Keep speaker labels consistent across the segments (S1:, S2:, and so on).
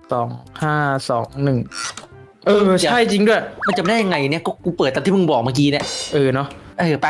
S1: 2521ใช่จริงด้วย
S2: มันจำได้ยังไงเนี่ยกูเปิดตามที่มึงบอกเมื่อกี้เนี่ย
S1: เนาะ
S2: ไป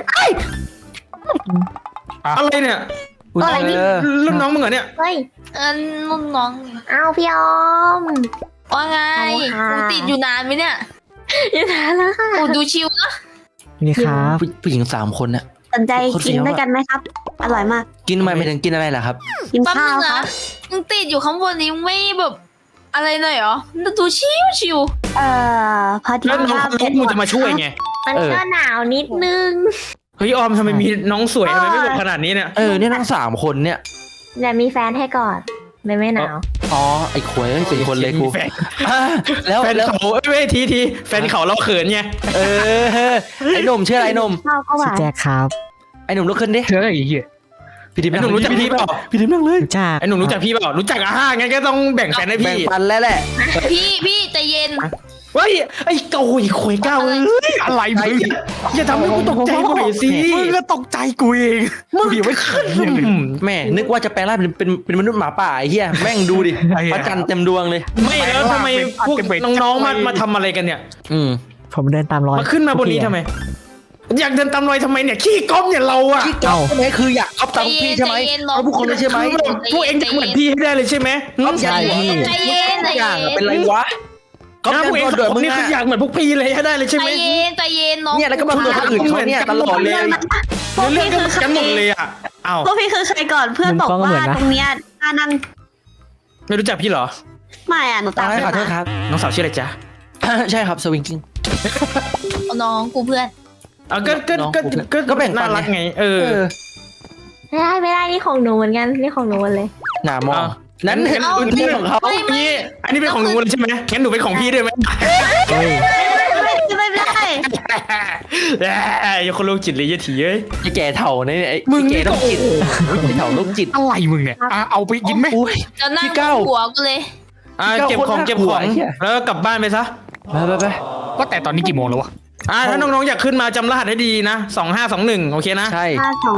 S1: อะไรเนี่ย
S3: อะไรนี่
S1: รุ่นน้องมึงเหรอเนี่ย
S3: เฮ้ย
S4: นุ่นน้อง
S3: อ้าวพี่ออม
S4: ว่าไง
S3: ค่ะ
S4: กูติดอยู่นานไหมเนี่ย
S3: อยู่นานแล้วค่ะ
S4: กูดูชิวนะ
S5: นี่ครับ
S2: ผู้หญิง3 คนน่ะ
S3: สนใจกินด้วยกันไหมครับ อร่อยมาก
S2: กินทำไมไม่ถึงกินอะไรล่ะครับ
S3: กิน
S4: แป๊บ
S3: ข้า
S4: นึ
S3: ว
S4: ง
S3: ค
S4: นะ
S3: รับ
S4: มึงติดอยู่ข้างบนนี้ไม่แบบอะไรหน่อยเหรอดูชิว
S3: พอดี
S1: แล้วน้อง
S3: ว่า
S1: มึงจะมาช่วยไง
S3: มันก็หนาวนิดนึง
S1: เฮ้ยออมทำไมมีน้องสวยทำไมไม่บอกขนาดนี้เนี่ย
S2: เนี่ยทั้ง3 คนเนี่ย
S3: แต่มีแฟนให้ก่อนไม่หนาว
S2: อ๋อไอ้ขวยเป็นคนเลยกู แล้ว
S1: แฟนเขาทีแฟนเขาเราเขินไง
S2: ไอ้หนุ่มชื่ออะไรหนุ่ม
S3: ข้าวก็ห
S5: ชื่อ
S3: วาน
S5: แจ็คครับ
S2: ไอ้หนุ่มลุกขึ้นดิ
S1: เฮ้ยเหี้ย
S2: พี่ดิม
S1: ไอ้หนุ่มรู้จักพี่เปล่า
S2: พี่ดิมนั่งเลย
S5: รู้จัก
S1: ไอ้หนุ่มรู้จักพี่เปล่ารู้จักงั้นก็ต้องแบ่งแฟนให้
S2: แบ่ง
S1: พี่
S2: ปันแล้วแหละ
S4: ๆพี่ใจเย็น
S1: เฮ้ยไอ้เกาหลีขวยก้าวอะไรมึงอย่าทำให้กูตกใจกูหน่อยสิมึงก็ตกใจกูเองมึงไม่ขึ้น
S2: แม่นึกว่าจะแปลงร่างเป็นมนุษย์หมาป่าไอ้เหี้ยแม่งดูดิพระจันทร์เต็มดวงเลย
S1: ไม่แล้วทำไมพวกน้องๆมาทำอะไรกันเนี่ย
S5: ผมเดินตามรอย
S1: มาขึ้นมาบนนี้ทำไมอยากเดินตามรอยทำไมเนี่ยขี้ก๊อฟเนี่ยเราอะ
S2: ที่เก่าใช่ไหมคืออยากก๊อปตามพี่ใช่ไหมเอาพวกคนเลยใช่ไหม
S1: พวกเองจะเหมือนพี่ให้ได้เลยใช่ไหม
S2: ใช่พี่
S4: ใจเย็นใจ
S2: อย่าง
S4: เย็น
S2: เป็นไรวะก๊อป
S1: พวกเอง
S2: กันก่อนเดือดมึง
S1: นี่คืออยา
S2: อะ
S1: กเหมือนพวกพี่เลยให้ได้เลยใช่ไหม
S4: ใจเย็นน้อง
S2: เนี่ยแล้วก็มาเพื่อนคนอื่นเขาเนี่ยตลอดเลย
S1: เรื่องกันหมดเลยอะอ้าว
S3: พวกพี่คือใครก่อนเพื่อนบอกว่าตรงเนี้ยนั่ง
S1: ไม่รู้จักพี่เหรอ
S3: ไม่หนูตาม
S2: ขอโทษครับ
S1: น้องสาวชื่ออะไรจ๊ะ
S2: ใช่ครับสวิงกิ้ง
S4: น้องกูเพื่อน
S1: ก็แบ่งน่ารักไง
S3: ไม่ได้นี่ของหนูเหมือนกันนี่ของหนูเลย
S2: หนามองนั้นเห็นพื้นที่ของเขา
S1: นี่อันนี้เป็นของหนูใช่ไหมงั้นหนูเป็นของพี่ด้วยไหม
S5: เฮ้ย
S3: ไม่ได้
S1: อย่าคนโรคจิตเลยยี่ถีเอ้ย
S2: ไอ้แก่เถ่าเนี่ยไอ้
S1: มึง
S2: แก่
S1: นี่
S2: โร
S1: ก็
S2: คจิตไอ้เถ่าโรคจิต
S1: อะไรมึงเนี่ยเอาไปกินไหม
S4: จะนั่ง
S2: พี่เก้า
S4: หัวกูเลย
S1: เก็บของแล้วกลับบ้านไปซะ
S2: ไป
S1: ก็แต่ตอนนี้กี่โมงแล้ววะถ้าน้องๆอยากขึ้นมาจำรหัสให้ดีนะ2521โอเคนะ
S2: ใช่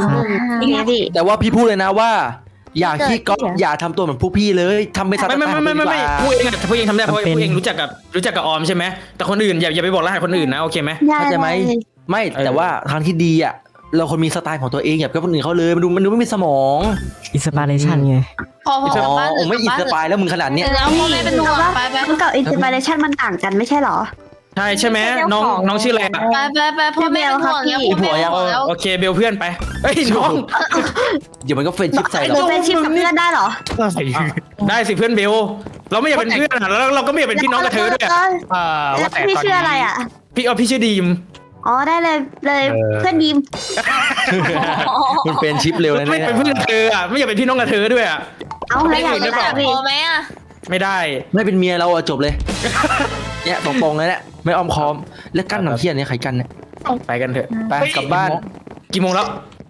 S3: 521นี่ไงพี่
S2: แต่ว่าพี่พูดเลยนะว่า อย่าขี้ก๊อปอย่าทำตัวเหมือนพวกพี่เลยทำเป็นสัตว์
S1: ไม่พวกเองทำได้เพราะพวกเองรู้จักกับออมใช่ไหมแต่คนอื่นอย่าไปบอกรหัสคนอื่นนะโอเคไหม
S2: เข้าใจไหมไม่แต่ว่าทางที่ดีอ่ะเราคนมีสไตล์ของตัวเองอย่าไปคนอื่นเขาเลยมันดูไม่มีสมอง
S5: อินสปิเรชันไง
S4: พอกลับบ้าน
S2: โอ้ไม่อินสปายแล้วมึงขนาดเนี้ย
S4: แล้วพ่อแม่เป็นห่วงไป
S3: มันกับอินสปิเรชันมันต่างกันไม่ใช่หรอ
S1: ใช่ไหมน้องชื่ออะไร
S4: ไปพ่อแม่เป็นห่วงแล้วพ่อแม่เป็นห่วงแล้ว
S1: โอเคเบลเพื่อนไปเฮ้ยน้อง
S2: เดี๋ยวมันก็เฟรนชิปใส่
S3: หนู
S2: เรา
S3: เป็นชิปกับเพื่อนได้เหรอ
S1: ได้สิเพื่อนเบลเราไม่อยากเป็นเพื่อนแล้วเราก็ไม่อยากเป็นพี่น้องกับเธอด้วย
S3: แล้วพี่ชื่ออะไรอ่ะ
S1: พี่ชื่อดีม
S3: อ๋อได้เลยเพื่อนดีม
S2: มันเป็นชิปเร็วนะ
S1: ไม่
S2: เนี่ย
S1: เป็นเพื่อนเธออ่ะไม่อยากเป็นพี่น้องกับเธอด้วยอ่ะ
S3: เอาแล้วอยาก
S4: จะ
S3: จะ
S4: พ
S3: พี่
S4: อไหมอ่ะ
S1: ไม่ได้
S2: ไม่เป็นเมียเราอะจบเลยเนี่ยตรงๆเลยแหละไม่อ้อมค้อมแล้วกั้นหนังเทียนเนี่ยใครกั้นเนี่ย
S1: ไปกันเถอะ
S2: ไปกลับบ้าน
S1: กี่โมงแล้ว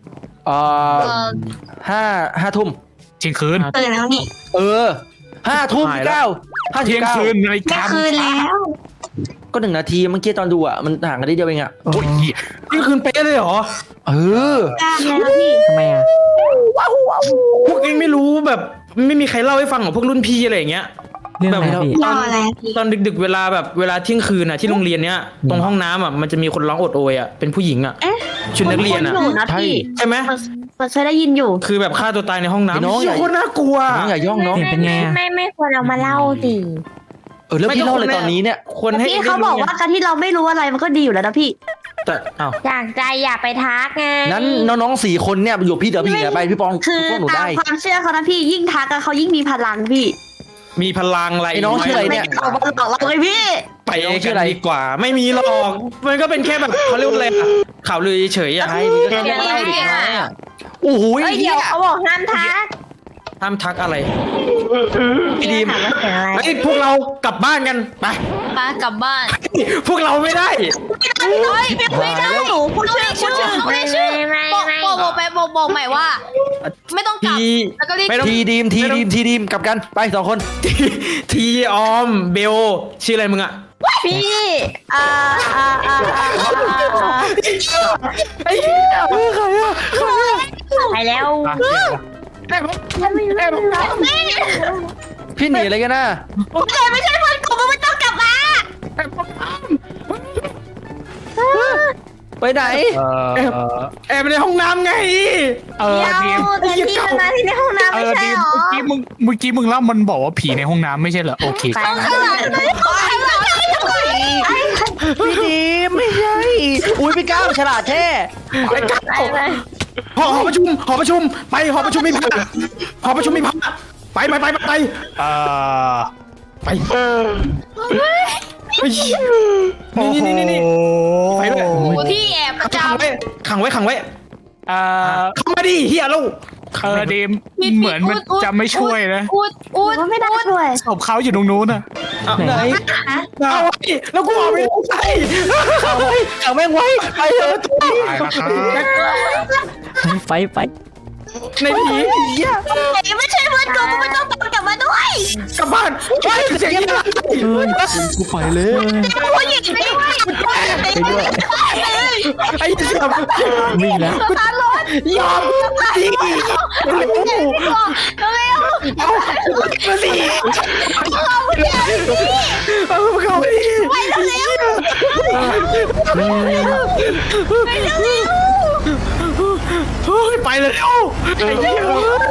S2: ห้าทุ่ม
S1: เที่ยงคืน
S3: ตื่นแล้วนี่
S2: 5 ทุ่ม 9
S1: เที่ยงคืนอะไร
S3: แม่คืนแล้ว
S2: ก็1 นาทีเมื่อกี้ตอนดูอ่ะมันห่างกันได้เดียวเองอ่ะ
S1: โอ้ยเที่ยงคืนเป๊ะเลยเหรอ
S3: กล้ามแล้วพี่
S5: ทำไมอ่ะ
S1: พวกเองไม่รู้แบบไม่มีใครเล่าให้ฟังของพวกรุ่นพี่อะไรอย่างเงี้ย
S5: เรื่องอะไรพี่
S3: รออะไรพี่
S1: ตอนดึกๆเวลาเที่ยงคืนอ่ะที่โรงเรียนเนี้ยตรงห้องน้ำอ่ะมันจะมีคนร้องโอดโอยอ่ะเป็นผู้หญิงอ่ะชุดนักเรียนอ่ะ
S3: หนูนะพี่
S1: ใช่ไหม
S3: มันเคยได้ยินอยู่
S1: คือแบบฆ่าตัวตายในห้องน้ำ
S2: น้องอย่า
S1: โคตรน่ากลัว
S2: น้องอย่าย่องน้อง
S5: เสียงเป็นไงอ่ะ
S3: ไม่ควรเอามาเล่าสิ
S2: แล้วพี่เล่าเลยตอนนี้เนี่ย
S1: คนให้
S3: พี่เขาบอกว่าการที่เราไม่รู้อะไรมันก็ดีอยู่แล้วนะพี่
S1: แต่อ้าว
S3: อยากใจอย่าไปทักไง
S2: นั้นน้องๆ4 คนเนี่ยอยู่พี่เดี๋ยวพี่เนี่ยไปพี่ปอง
S3: คือ
S2: พวกหนู
S3: ตา
S2: ได้
S3: มความเชื่อเขานะพี่ยิ่งทักกันเขายิ่งมีพลังพี่
S1: มีพลังอะไร
S2: ไอ้น้องชื่ออะไรเนี่ย
S3: เอามาหลอกเราเลยพี่
S1: ไปกันดีกว่า ไม่มีหรอกมันก็เป็นแค่แบบเขาเรียกว่าอะไรอะข่าวลือเฉยๆอ่ะ
S2: ใช่พี่ก็แค่เล่าดิครับโอ้โห
S3: เฮ้ยเดี๋ยวเขาบอกห้ามทัก
S1: ห้ามทักอะไร
S2: พี่ดีม
S3: ถามว่าเสียงอะไร
S1: ไอ้ยพวกเรากลับบ้านกันไป
S4: ป้ากลับบ้าน
S1: พวกเราไม่ได้
S3: ไม่ได้หนูพูดชื่อ
S4: ไม่ชื่อบอกใหม่ว่า ไม่ต้องกลับ แล้วก็รีบ
S1: ไม่ต้อง
S2: ทีดีมกลับกันไป2 คน
S1: ทีออมเบลชื่ออะไรมึงอะ
S3: พี่
S1: ไอ้เหี้ยใครอะ
S3: ไปแล้ว
S2: พี่หนีอะไรกันนะ
S4: ไม่ใช่เพื่อนกูมึงไม่ต้องกลับมา
S2: ไปไหน
S1: แอบในห้องน้ำไง
S3: เดี๋ยว
S1: ไอ้
S3: แต่
S1: เหี้ย
S3: ที่มันมาที่ในห้องน้ำไม่ใช่
S6: ดี
S3: หรอ
S6: เมื่อกี้มึงเล่ามันบอกว่าผีในห้องน้ำไม่ใช่เหรอโอเค
S3: ไป
S4: ข้างหลังเลยข้างหลังเลย
S2: พี่ดีมไม่ใช่อุ้ยพี่ก้าวฉลาดแท้
S1: ไอ้ก้าว
S3: ไป
S1: หอประชุมไปหอประชุมมีผ้าหอประชุมมีผ้าไป
S6: เอ่อ
S1: ไปนี่ ไปเลย
S4: กูที่แอบประจ
S1: ขังไว้
S6: เอ่อ
S1: เข้ามาดิเฮียลูก
S6: ดีมเหมือนมันจะไม่ช่วยนะ
S4: ำอุดอุด
S3: ก็ไม่ได้ช่วย
S6: ศพเขาอยู่ตรงนู้นน่ะ
S2: ไหน
S1: เอาไว้แล้วกูออกไม่ได้
S2: ขังแม่งไว้ไปเถอะ
S6: ตายแล้วครับ
S5: ไป
S1: ในผี
S4: ไม่ใช่เพื่อนกูมึงไม่ต้องตามกลับมาด้วย
S1: กลับบ้านไปเสียงอะไร
S5: เฮ้ย
S2: กูไปเลย
S4: ผู้หญิงไม่ด้วย
S5: ไปด้วย
S1: ไอ้เสียบ
S5: วิ่งแล้ว
S4: สตาร์ทรถ
S1: ยอมดิ
S4: เร็ว
S1: มาสิเอาเข้าไปดิไปเลยเร็วไอ้เหี้ย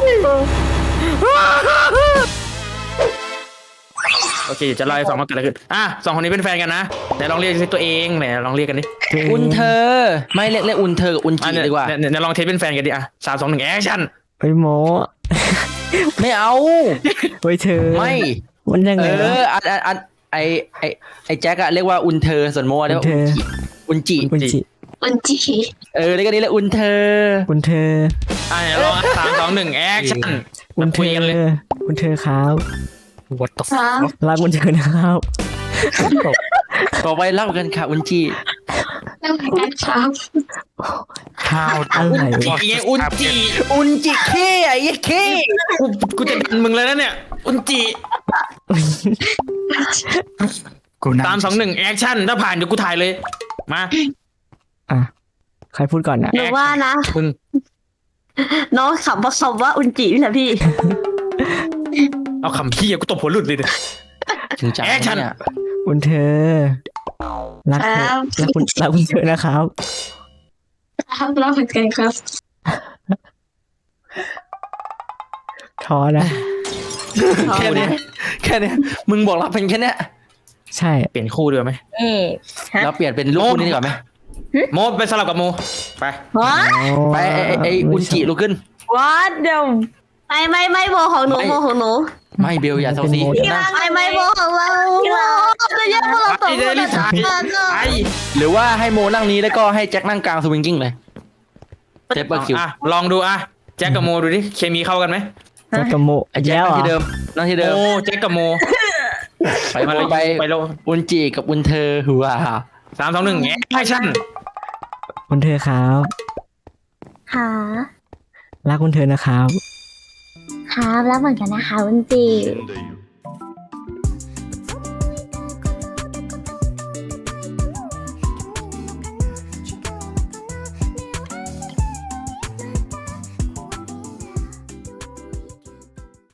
S1: โอเคจะเล่าให้ฟังว่าเกิดอะไรขึ้นสองคนนี้เป็นแฟนกันนะไหนลองเรียกตัวเองไหนลองเรียกกันดิ
S2: อุ่นเธอไม่เรียกอุ่นเธอกับอุ่นจีดีกว่า
S1: เนี่ยลองเทสเป็นแฟนกันดิ3 2 1แอคชั่น
S5: เฮ้ยโม
S2: ไม่เอา
S5: เฮ้ยเธอ
S2: ไม่
S5: มันยังไงวะ
S2: อันไอแจ็คอะเรียกว่าอุ่นเธอส่วนโมเรียกว่าอุ่นจี
S5: คุณจิ
S4: มันจี
S2: เรียกกันนี้แหละอุ่นเธอ
S5: คุณเธอ
S1: ลอง3 2 1แอคชั่น
S5: คุณเธ
S1: คุยกันเลย
S5: อคุณเธอครับ
S6: What the fuck
S5: รักคุณเธอนะครับ
S2: ต่อไปเล่ากันค่ะอุ่นจี
S4: นั่งกันครับ
S6: ข้าว
S5: อะไรวะ
S1: ไอ้อุ่นจี
S2: อุ่นจีเค้ไอ้เค้
S1: กูจะดันมึงเลยนะเนี่ยอุ่นจี
S6: กูนั่ง
S1: 3 2 1แอคชั่นถ้าผ่านเดี๋ยวกูถ่ายเลยมา
S5: อ่ะใครพูดก่อนนะ
S3: หนูว่านะ
S1: มึง
S3: น้องขับผสมว่าอุนจินี่แหละพี่
S1: เอาคำพี่กูตบหัวหลุดเลย
S2: ถึงจัง
S1: แอคชั่น
S2: เนี่ย
S5: คุณเธอรักเธอรักคุณเธอนะครับ
S4: ครับเราเหมือนกันครับ
S5: ท้อนะ
S2: แค่เนี้ยมึงบอกเราเป็นแค่เนี้ย
S5: ใช่
S1: เปลี่ยนคู่ดีกว่าไหม
S2: เราเปลี่ยนเป็นลูกคู่นี้ดีกว่าไหม
S1: โมไปสลับกับโมไป
S2: ไปไอ้อุ่นจีลุกขึ้น
S3: What the ไม่โบของหนูโบของหนู
S2: ไม่เบลอย่าเซาซีนั่ง
S3: ไม่โบของเราจะแยกพวกเราสอง
S1: ไอ้
S3: ค
S1: เด
S3: น
S1: ลิสายไอ้
S2: หรือว่าให้โมนั่งนี้แล้วก็ให้แจ็คนั่งกลางสวิงกิ้งเลยเจ็บเบอร์คิว
S1: ลองดูแจ็คกับโมดูดิเคมีเข้ากันไหม
S5: แจ็คกับโม
S2: ไอ้แจ็ค
S5: แล้ว
S2: นั่ง
S5: เหร
S2: ที่เดิ
S5: อ
S2: มนั่งที่เดิม
S1: โอ้แจ็คกับโม
S2: ไปโมไป
S1: ไปโล
S2: อุ่นจีกับอุ่นเธอหัว
S1: 3 2 1แอคชั่น
S5: คุณเธอครับ
S3: หา
S5: รักคุณเธอนะครับ
S3: ครับแล้วเหมือนกันนะคะอุนจิ
S7: 現代